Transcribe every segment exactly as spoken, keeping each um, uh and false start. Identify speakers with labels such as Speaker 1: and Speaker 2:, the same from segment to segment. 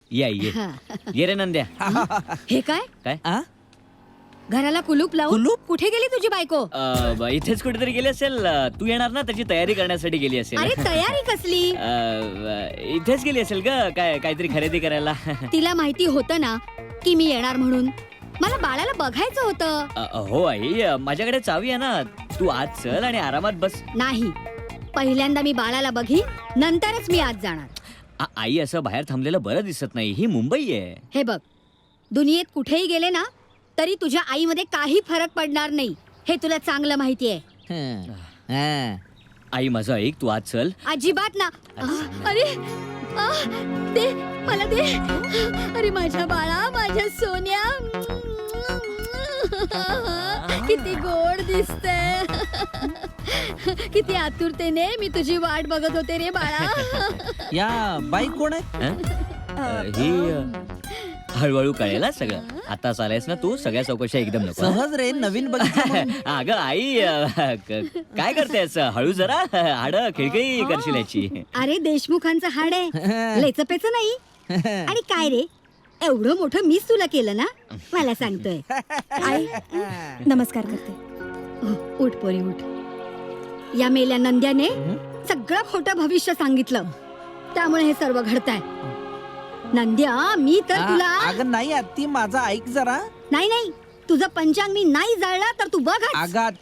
Speaker 1: या ये ये रे नंद्या.
Speaker 2: हे काय
Speaker 1: काय
Speaker 3: आ?
Speaker 2: घराला कुलूप लावून
Speaker 3: कुलूप?
Speaker 2: कुठे गेली तुझी बायको?
Speaker 1: अ, ब- इथेच कुठेतरी गेली असेल. अ, तू येणार ना त्याची तयारी करण्यासाठी गेली असेल.
Speaker 2: अरे तयारी कसली?
Speaker 1: अ, ब- इथेच गेली असेल ग काय काहीतरी खरेदी करायला.
Speaker 2: तिला माहिती होतं ना की मी येणार म्हणून. मला बाळाला बघायचं होतं.
Speaker 1: अ, हो आई अ, माझ्याकडे चावी आहे ना. तू आज चल आणि आरामात बस.
Speaker 2: नाही, पहिल्यांदा मी बाळाला बघी नंतरच मी आज जाणार.
Speaker 1: आ- आई असं बाहेर थांबलेलं बरं दिसत नाही. ही मुंबई आहे.
Speaker 2: हे बघ, दुनियेत कुठेही गेले ना तरी तुझ्या आईमध्ये काही फरक पडणार नाही, हे तुला चांगलं माहितीये.
Speaker 3: हं. हं.
Speaker 1: आई माझं ऐक, तू आज चल.
Speaker 2: अजिबात ना. अरे आ, दे मला दे. अरे माझ्या बाळा, माझ्या सोन्या, किती गोड दिसते. किती आतुरतेने मी तुझी वाट बघत होते रे बाळा.
Speaker 3: या बाई कोण आहे?
Speaker 1: हं? अ, ही अ, हळूहळू कळेल हा सगळं. आता चालायस ना तू, सगळ्या चौकशा एकदम नको.
Speaker 3: सहज रे, नवीन बघितलं.
Speaker 1: अगं आई अ, क- काय करतेस? हळू जरा हाड खिळखिळी करशील याची.
Speaker 2: अरे देशमुखांचं हाड आहे, लेचपेच नाही. आणि काय रे, एवढं मोठं मीच तुला केलं ना, मला सांगतोय. आई नमस्कार करते. उठ उठ पोरी उठ. या मेल्या नंद्याने सगळं खोटं भविष्य सांगितलं, त्यामुळे हे सर्व घडतंय. नंद्या, मी तर तुला
Speaker 3: अगं नाही आत्ती, माझा ऐक जरा.
Speaker 2: नाही नाही, तुझं पंचांग मी नाही जाळला तर तू बघ.
Speaker 3: आगात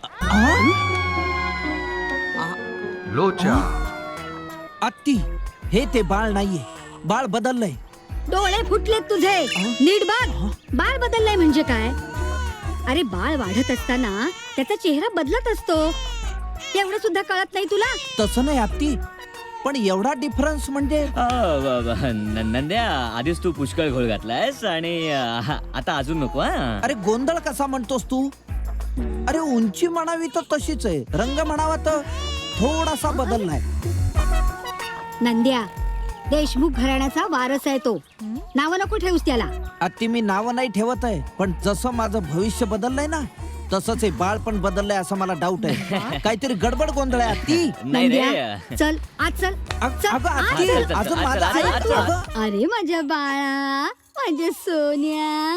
Speaker 4: लोचा
Speaker 3: आत्ती, हे ते बाळ नाहीये. बाळ बदललंय.
Speaker 2: डोळे फुटलेत तुझे, नीट बघ. बाळ बदललाय म्हणजे काय? अरे बाळ वाढत असताना त्याचा चेहरा बदलत असतो, एवढं सुद्धा कळत नाही तुला?
Speaker 3: तसं नाही आत्ती, पण एवढा डिफरन्स म्हणजे
Speaker 1: अ, ब- ब- न- नंद्या, आधीच तू पुष्कळ घोळ घातलायस आणि अ, हा, आता अजून नको. हा
Speaker 3: अरे गोंधळ कसा म्हणतोस तू? अरे उंची म्हणावी तर तशीच आहे, रंग म्हणावा तर थोडासा बदललाय.
Speaker 2: नंद्या, देशमुख घराण्याचा वारस आहे तो. नाव नको ठेवूस त्याला.
Speaker 3: आत्ती, मी नाव नाही ठेवत आहे, पण जसं माझं भविष्य बदललंय ना, तसंच हे बाळ पण बदललंय असं मला डाऊट आहे. काहीतरी गडबड गोंधळ आहे आत्ती.
Speaker 1: नाही रे.
Speaker 2: नंद्या, चल आज चल.
Speaker 3: अग-
Speaker 2: चल,
Speaker 3: अगं
Speaker 2: आज
Speaker 3: आत्ती,
Speaker 2: चल.
Speaker 1: चल,
Speaker 3: अजून
Speaker 1: चल,
Speaker 3: माझं
Speaker 1: चल,
Speaker 3: ऐक
Speaker 1: चल,
Speaker 3: तू,
Speaker 1: चल.
Speaker 3: अगं.
Speaker 2: अरे माझ्या बाळा, माझ्या सोन्या.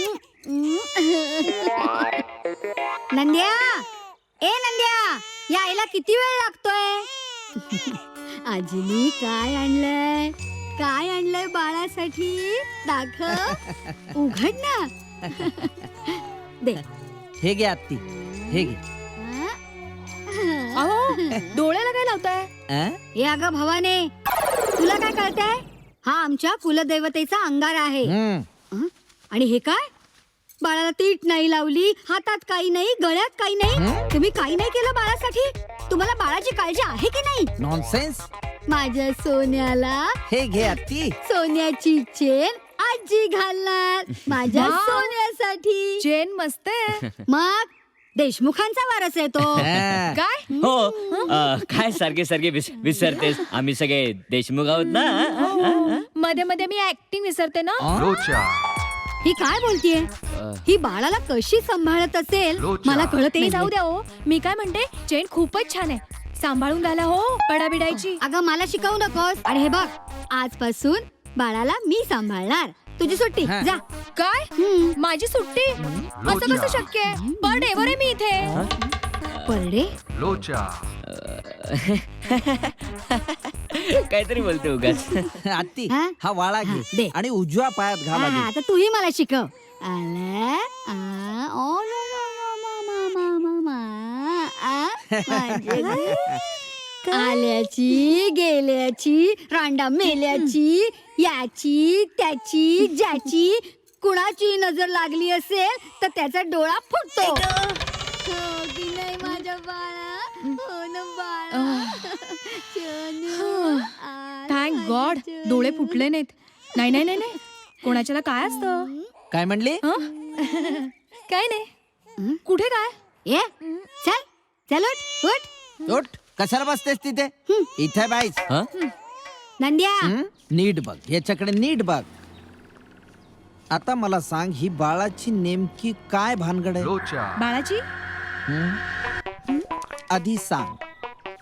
Speaker 2: नंद्या, ए नंद्या, यायला किती वेळ लागतोय? आजीनी काय आणलंय? काय आणलंय बाळासाठी? दाखव, उघड ना. दे.
Speaker 3: हे घे आत्ती, हे घे.
Speaker 2: अहो, डोळ्याला काय लावताय?
Speaker 3: अं?
Speaker 2: हे अगं भवाने, तुला काय कळतंय? हा आमच्या कुलदैवतेचा अंगार आहे.
Speaker 3: हम्म.
Speaker 2: हं? आणि हे काय? बाळाला तीट नाही लावली, हातात काही नाही, गळ्यात काही नाही. तुम्ही काही नाही केलं बाळासाठी? तुम्हाला बाळाची काळजी आहे की नाही?
Speaker 3: नॉनसेन्स.
Speaker 2: माझ्या सोन्याला
Speaker 3: हे घे आत्ती.
Speaker 2: सोन्याची चेन आजी घालणार माझ्या सोन्यासाठी.
Speaker 5: चेन मस्त आहे.
Speaker 2: मग देशमुखांचा वारस आहे तो.
Speaker 3: अं.
Speaker 5: काय
Speaker 1: हो अ, काय सारखे सारखे विस- विसरतेस? आम्ही सगळे देशमुख आहोत ना. अ, अ, अ.
Speaker 5: मध्ये मध्ये मी ऍक्टिंग विसरते ना.
Speaker 4: लोचा
Speaker 2: ही काय बोलतीये? ही बाळाला कशी सांभाळत असेल
Speaker 4: लोचा.
Speaker 2: मला कळत
Speaker 5: ते
Speaker 2: नाही.
Speaker 5: जाऊ द्या हो, मी काय म्हणते, चेन खूपच छान आहे, सांभाळून घाला हो, पडाबिडायची.
Speaker 2: अगं मला शिकवू नकोस. आणि हे बघ, आजपासून बाळाला मी सांभाळणार. तुझी सुट्टी,
Speaker 3: हा.
Speaker 2: जा.
Speaker 5: काय
Speaker 2: हम्म.
Speaker 5: माझी सुट्टी? असं कसं शक्य आहे? पर डेवर आहे मी इथे.
Speaker 2: परडे
Speaker 4: लोचा
Speaker 1: काहीतरी बोलते उगाच.
Speaker 3: आत्ती,
Speaker 2: हा?
Speaker 3: हा वाळा
Speaker 2: हा,
Speaker 3: घे
Speaker 2: दे.
Speaker 3: आणि उजव्या पायात घाल
Speaker 2: हा,
Speaker 3: आधी.
Speaker 2: आता तूही मला शिकव. आला, आ, ओ, लो, लो, लो, मा, मा, मा, मा, मा, आ, माझे ग. आल्याची गेल्याची रांडा मेल्याची, याची त्याची ज्याची कुणाची नजर लागली असेल तर त्याचा डोळा फुटतो. हो की नाही माझ्या बाळा? हो ना बाळा? चनू, आ,
Speaker 5: थँक
Speaker 2: माझी
Speaker 5: गॉड,
Speaker 2: चनू.
Speaker 5: डोळे फुटले नाहीत. नाही नाही नाही नाही, कोणाच्याला काय असतं?
Speaker 3: काय म्हणली?
Speaker 5: हं? काय नाही. कुठे काय?
Speaker 2: ये चल चल उठ उठ.
Speaker 3: उठ, कशाला बसतेस तिथे? इथे बाईस.
Speaker 1: हं?
Speaker 2: नंद्या,
Speaker 3: हं? नीट बघ, याच्याकडे नीट बघ. आता मला सांग, ही बाळाची नेमकी काय भानगड आहे?
Speaker 4: लोचा
Speaker 5: बाळाची?
Speaker 3: हं? आधी सांग.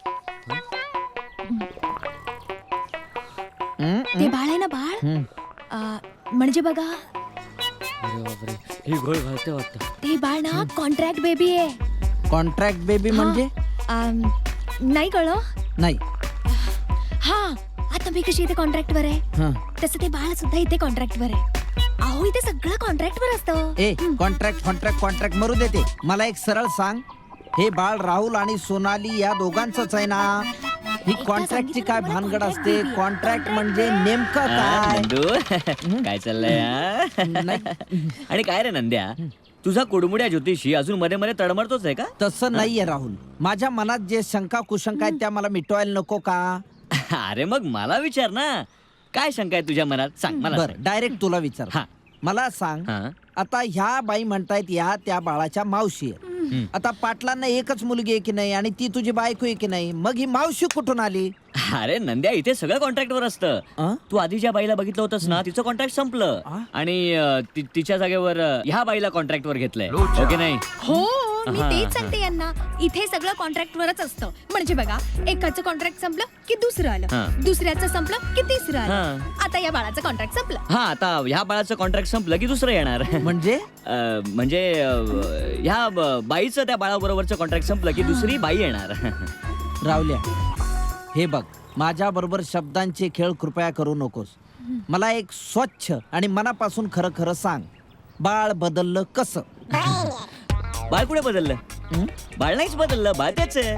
Speaker 3: हं?
Speaker 5: ते बाळ आहे ना बाळ,
Speaker 3: हं.
Speaker 5: आ, म्हणजे बघा
Speaker 1: अरे बापरे, ही घोळ घालते वाटतं.
Speaker 5: ते बाळ ना कॉन्ट्रॅक्ट बेबी आहे.
Speaker 3: कॉन्ट्रॅक्ट बेबी म्हणजे
Speaker 5: आम, नाही कळलं.
Speaker 3: नाही.
Speaker 5: हा आता मी कशी इथे कॉन्ट्रॅक्ट वर आहे
Speaker 3: हं.
Speaker 5: तसं ते बाळ सुद्धा इथे कॉन्ट्रॅक्ट वर आहे. अहो इथे सगळं कॉन्ट्रॅक्ट वर असतं.
Speaker 3: ए कॉन्ट्रॅक्ट कॉन्ट्रॅक्ट कॉन्ट्रॅक्ट मरू देते. मला एक सरळ सांग, हे बाळ राहुल आणि सोनाली या दोघांचंच आहे ना? ही कॉन्ट्रॅक्टची काय भानगड असते? कॉन्ट्रॅक्ट म्हणजे नेमकं
Speaker 1: हा,
Speaker 3: काय?
Speaker 1: नंदू काय चाललंय हा?
Speaker 3: नाही.
Speaker 1: आणि काय रे नंद्या, तुझा कुडमुड्या ज्योतिषी अजून मध्ये मध्ये तडमडतोच आहे का?
Speaker 3: तसं नाहीये राहुल. माझ्या मनात जे शंका कुशंका आहेत त्या मला मिटवायला नको का?
Speaker 1: अरे मग मला विचार ना, काय शंका आहे तुझ्या मनात? सांग मला.
Speaker 3: बर डायरेक्ट तुला विचार.
Speaker 1: हा.
Speaker 3: मला सांग,
Speaker 1: हा.
Speaker 3: आता ह्या बाई म्हणतायत या त्या बाळाच्या मावशी आहेत. आता पाटलांना एकच मुलगी आहे की नाही आणि ती तुझी बायको आहे की नाही, मग ही मावशी कुठून आली?
Speaker 1: अरे नंद्या, इथे सगळं कॉन्ट्रॅक्ट वर असतं.
Speaker 3: अं?
Speaker 1: तू आधी ज्या बाईला बघितलं होतंस ना, तिचं कॉन्ट्रॅक्ट संपलं
Speaker 3: आ?
Speaker 1: आणि अं, ति- तिच्या जागेवर अं, ह्या बाईला कॉन्ट्रॅक्ट वर घेतलंय.
Speaker 4: लोचा.
Speaker 1: ओके नाही?
Speaker 5: हो मी
Speaker 1: हा,
Speaker 5: तेच
Speaker 1: हा.
Speaker 5: सांगते यांना, इथे सगळं कॉन्ट्रॅक्ट वरच असतं. म्हणजे बघा, एकाचं कॉन्ट्रॅक्ट संपलं की दुसरं
Speaker 1: हा.
Speaker 5: आलं, दुसऱ्याचं संपलं की तिसरं आलं.
Speaker 1: हा.
Speaker 5: आता या बाळाचं कॉन्ट्रॅक्ट संपलं.
Speaker 1: हा, आता ह्या बाळाचं कॉन्ट्रॅक्ट संपलं की दुसरं येणार.
Speaker 3: म्हणजे
Speaker 1: अं, म्हणजे अं, ह्या ब- बाईचं त्या बाळाबरोबरचं कॉन्ट्रॅक्ट संपलं की दुसरी बाई येणार.
Speaker 3: रावल्या, हे बघ, माझ्या बरोबर शब्दांचे खेळ कृपया करू नकोस. मला एक स्वच्छ आणि मनापासून खरं खरं सांग, बाळ बदललं कसं?
Speaker 1: बाळ कुठे बदललं?
Speaker 3: हं?
Speaker 1: बाळ नाहीच बदललं, बाळ तेच आहे.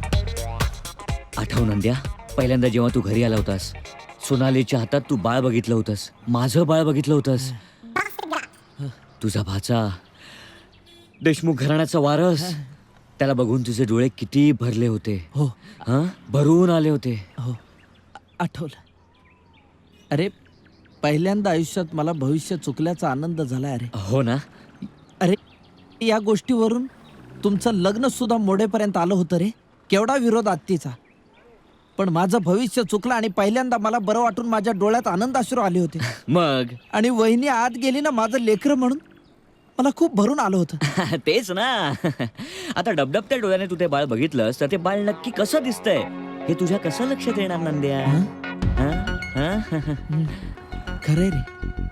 Speaker 1: आठव नंद्या, पहिल्यांदा जेव्हा तू घरी आला होतास, सोनालीच्या हातात तू बाळ बघितलं होतंस, माझं बाळ बघितलं होतंस. तुझा भाचा देशमुख घराण्याचा वारस, त्याला बघून तुझे डोळे किती भरले होते.
Speaker 3: हो
Speaker 1: हा, भरून आले होते.
Speaker 3: हो आठवलं. अरे पहिल्यांदा आयुष्यात मला भविष्य चुकल्याचा आनंद झालाय. अरे
Speaker 1: हो ना?
Speaker 3: अरे या गोष्टीवरून तुमचं लग्न सुद्धा मोडेपर्यंत आलं होतं रे. केवढा विरोध आत्तीचा, पण माझं भविष्य चुकलं आणि पहिल्यांदा मला बरं वाटून माझ्या डोळ्यात आनंदाश्रू आले होते.
Speaker 1: मग
Speaker 3: आणि वहिनी आत गेली ना माझं लेकरं म्हणून, मला खूप भरून आलं होतं.
Speaker 1: तेच ना. आता डबडबत्या डोळ्याने तू ते बाळ बघितलंस तर ते बाळ नक्की कसं दिसतंय हे तुझ्या कसं लक्षात येणार नंद्या?
Speaker 3: हं?
Speaker 1: हा? हा?
Speaker 3: खरंय रे,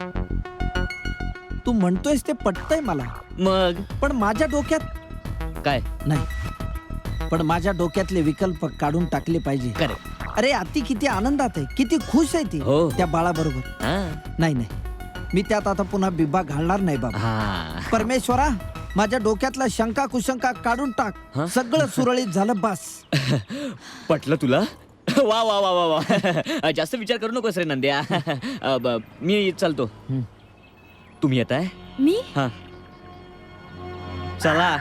Speaker 3: तू म्हणतोयस ते पटतंय मला,
Speaker 1: मग
Speaker 3: पण माझ्या डोक्यात
Speaker 1: काय?
Speaker 3: नाही. पण माझ्या डोक्यातले विकल्प काढून टाकले पाहिजे.
Speaker 1: करे.
Speaker 3: अरे आत्ती किती आनंदात आहे, किती खुश आहे ती
Speaker 1: हो.
Speaker 3: त्या बाळाबरोबर.
Speaker 1: हा.
Speaker 3: नाही नाही, मी त्यात आता पुन्हा बिब्बा घालणार नाही बाबा.
Speaker 1: हा.
Speaker 3: परमेश्वरा, माझ्या डोक्यातला शंका कुशंका काढून टाक.
Speaker 1: हं?
Speaker 3: सगळं सुरळीत झालं बस.
Speaker 1: पटलं तुला? वा वा वा वा वा. जास्त विचार करू नकोस रे नंद्या. अ, ब- मी चालतो.
Speaker 3: हं.
Speaker 1: तुम्ही येताय?
Speaker 5: मी
Speaker 1: हा, चला.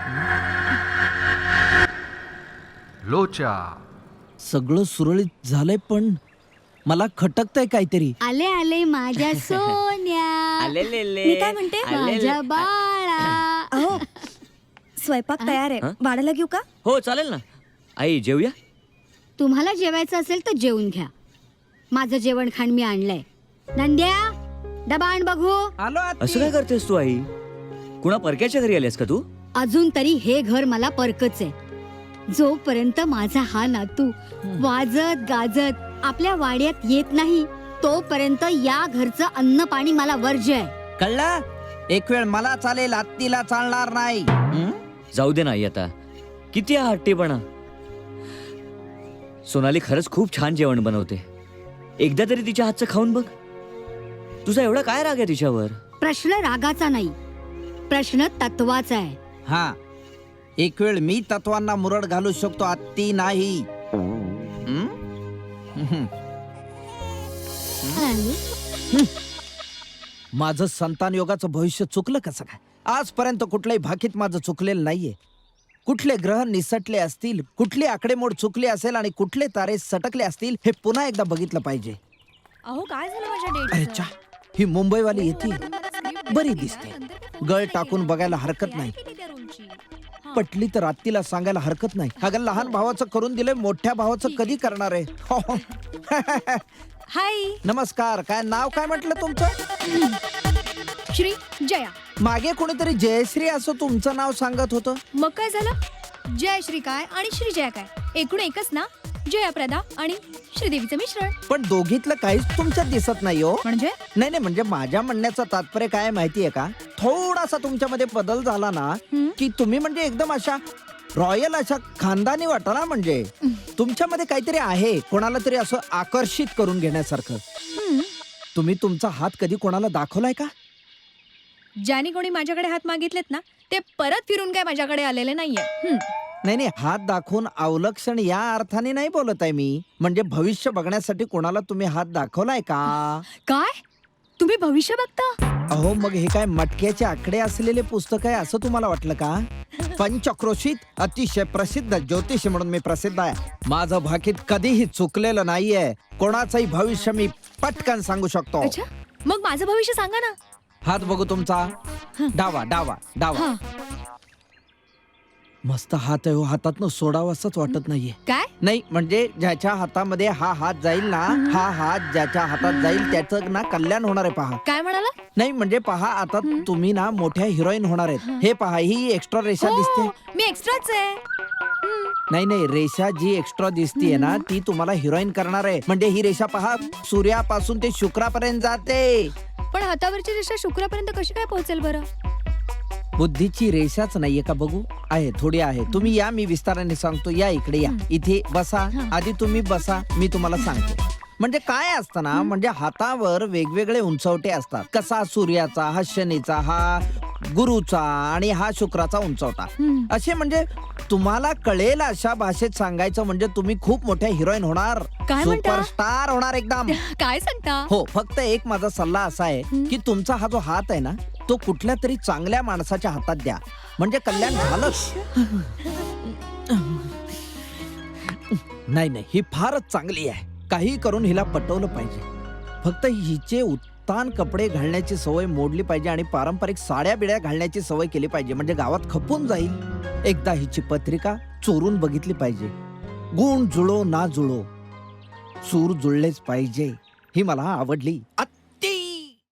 Speaker 4: लोचा.
Speaker 3: सगळं सुरळीत झालंय, पण मला खटकतंय काहीतरी.
Speaker 2: आले आले माझ्या सोन्या,
Speaker 1: आलेलेले.
Speaker 5: मी काय म्हणते?
Speaker 1: आलेले.
Speaker 2: माझ्या बाळा.
Speaker 5: अहो स्वयंपाक तयार आहे,
Speaker 1: हं?
Speaker 5: बाळाला घेऊ का?
Speaker 1: हो चालेल ना. आई जेवूया.
Speaker 2: तुम्हाला जेवायचं असेल तर जेवून घ्या. माझं जेवण खाण मी आणलंय. नंद्या, डबा आण बघू.
Speaker 3: आलो आत्ती.
Speaker 1: असं काय करतेस तू आई? कुणा परक्याच्या घरी आलीस का तू?
Speaker 2: अजून तरी हे घर मला परकच आहे. जोपर्यंत माझा हा नातू वाजत गाजत आपल्या वाड्यात येत नाही, तोपर्यंत या घरचं अन्न पाणी मला वर्ज्य आहे.
Speaker 3: कळलं? एक वेळ मला चालेल, आत्तीला चालणार नाही. हं?
Speaker 1: जाऊ दे ना आई आता. किती हा हट्टीपणा. सोनाली खरंच खूप छान जेवण बनवते. एकदा तरी तिच्या हातचं खाऊन बघ. तुझा एवढा काय राग आहे तिच्यावर?
Speaker 2: प्रश्न रागाचा नाही, प्रश्न तत्वाचा आहे.
Speaker 3: हा, एक वेळ मी तत्वांना मुरड घालू शकतो, आत्ती नाही. हं? हं. माझं संतान योगाचं भविष्य चुकलं कसं काय? आजपर्यंत कुठल्याही भाकीत माझं चुकलेलं नाहीये. कुठले ग्रह निसटले असतील, कुठली आकडेमोड चुकली असेल आणि कुठले तारे सटकले असतील हे पुन्हा एकदा बघितलं पाहिजे.
Speaker 5: अहो काय झालं माझ्या
Speaker 3: अरे
Speaker 5: डेट?
Speaker 3: चा, ही मुंबईवाली येते, बरी दिसते. गळ टाकून बघायला हरकत नाही. पटली तर आत्तीला सांगायला हरकत नाही. अगं लहान भावाचं करून दिलंय, मोठ्या भावाचं कधी करणार आहे?
Speaker 5: हाय
Speaker 3: नमस्कार. काय नाव काय म्हटलं तुमचं?
Speaker 5: श्री जया.
Speaker 3: मागे कोणीतरी जयश्री असं तुमचं नाव सांगत होतं.
Speaker 5: मग काय झालं? जय श्री काय आणि श्री जया काय एकूण एकच ना. जया प्रदा आणि श्रीदेवीचं मिश्रण.
Speaker 3: पण दोघीतलं काहीच तुमच्यात दिसत नाही हो.
Speaker 5: म्हणजे
Speaker 3: नाही नाही म्हणजे माझ्या म्हणण्याचं तात्पर्य काय माहितीये का, थोडासा तुमच्यामध्ये बदल झाला ना
Speaker 5: हं?
Speaker 3: की तुम्ही म्हणजे एकदम अशा रॉयल अशा खानदानी वाटला. म्हणजे तुमच्यामध्ये काहीतरी आहे, कोणाला तरी असं आकर्षित करून घेण्यासारखं.
Speaker 5: हं.
Speaker 3: तुम्ही तुमचा हात कधी कोणाला दाखवलाय का?
Speaker 5: ज्याने कोणी माझ्याकडे हात मागितलेत ना ते परत फिरून काय माझ्याकडे आलेले नाहीये. हं.
Speaker 3: नाही नाही, हात दाखवून अवलक्षण या अर्थाने नाही बोलत आहे मी. म्हणजे भविष्य बघण्यासाठी कोणाला तुम्ही हात दाखवलाय का?
Speaker 5: काय तुम्ही भविष्य बघता?
Speaker 3: अहो मग हे काय मटक्याचे आकडे असलेले पुस्तक आहे असं तुम्हाला वाटलं का? पंचक्रोशीत अतिशय प्रसिद्ध ज्योतिषी म्हणून मी प्रसिद्ध आहे. माझं भाकीत कधीही चुकलेलं नाहीये. कोणाचंही भविष्य मी पटकन सांगू शकतो.
Speaker 5: अच्छा, मग माझं भविष्य सांगा ना.
Speaker 3: हात बघू तुमचा. डावा डावा डावा.
Speaker 5: हा.
Speaker 3: मस्त हात आहे हो, हातातनं सोडावं असंच वाटत नाहीये.
Speaker 5: काय?
Speaker 3: नाही म्हणजे ज्याच्या हातामध्ये हा हात जाईल ना, हा हात ज्याच्या हातात जाईल त्याचं ना कल्याण होणार आहे. पहा.
Speaker 5: काय म्हणाला?
Speaker 3: नाही म्हणजे पहा, आता तुम्ही ना मोठ्या हिरोईन होणार आहेत. हे पहा, ही एक्स्ट्रा रेषा दिसते.
Speaker 5: हो, मी एक्स्ट्राच आहे. हं.
Speaker 3: नाही नाही, रेषा जी एक्स्ट्रा दिसतीये ना ती तुम्हाला हिरोईन करणार आहे. म्हणजे ही रेषा पहा, सूर्यापासून ते शुक्रापर्यंत जाते.
Speaker 5: पण हातावरची रेषा शुक्रापर्यंत कशी काय पोहोचेल बरं?
Speaker 3: बुद्धीची रेषाच नाहीये का? बघू, आहे, थोडी आहे. तुम्ही या, मी विस्ताराने सांगतो. या इकडे या, इथे बसा. आधी तुम्ही बसा, मी तुम्हाला सांगतो. म्हणजे काय असतं ना, म्हणजे हातावर वेगवेगळे उंचवटे असतात. कसा सूर्याचा, हा शनीचा, हा गुरुचा आणि हा शुक्राचा उंचवटा.
Speaker 5: हं.
Speaker 3: असे म्हणजे तुम्हाला कळेल अशा भाषेत सांगायचं म्हणजे तुम्ही खूप मोठ्या हिरोईन होणार.
Speaker 5: काय म्हणता?
Speaker 3: सुपरस्टार होणार एकदम.
Speaker 5: काय सांगता?
Speaker 3: हो, फक्त एक माझा सल्ला असा आहे की तुमचा हा जो हात आहे ना तो कुठल्या तरी चांगल्या माणसाच्या हातात द्या, म्हणजे कल्याण झालंच. नाही नाही, ही फारच चांगली आहे. काही करून हिला पटवलं पाहिजे. फक्त हिचे उत्तान कपडे घालण्याची सवय मोडली पाहिजे आणि पारंपरिक साड्या बिड्या घालण्याची सवय केली पाहिजे. म्हणजे गावात खपून जाईल. एकदा हिची पत्रिका चोरून बघितली पाहिजे. गुण जुळो ना जुळो, सूर जुळलेच पाहिजे. ही मला आवडली.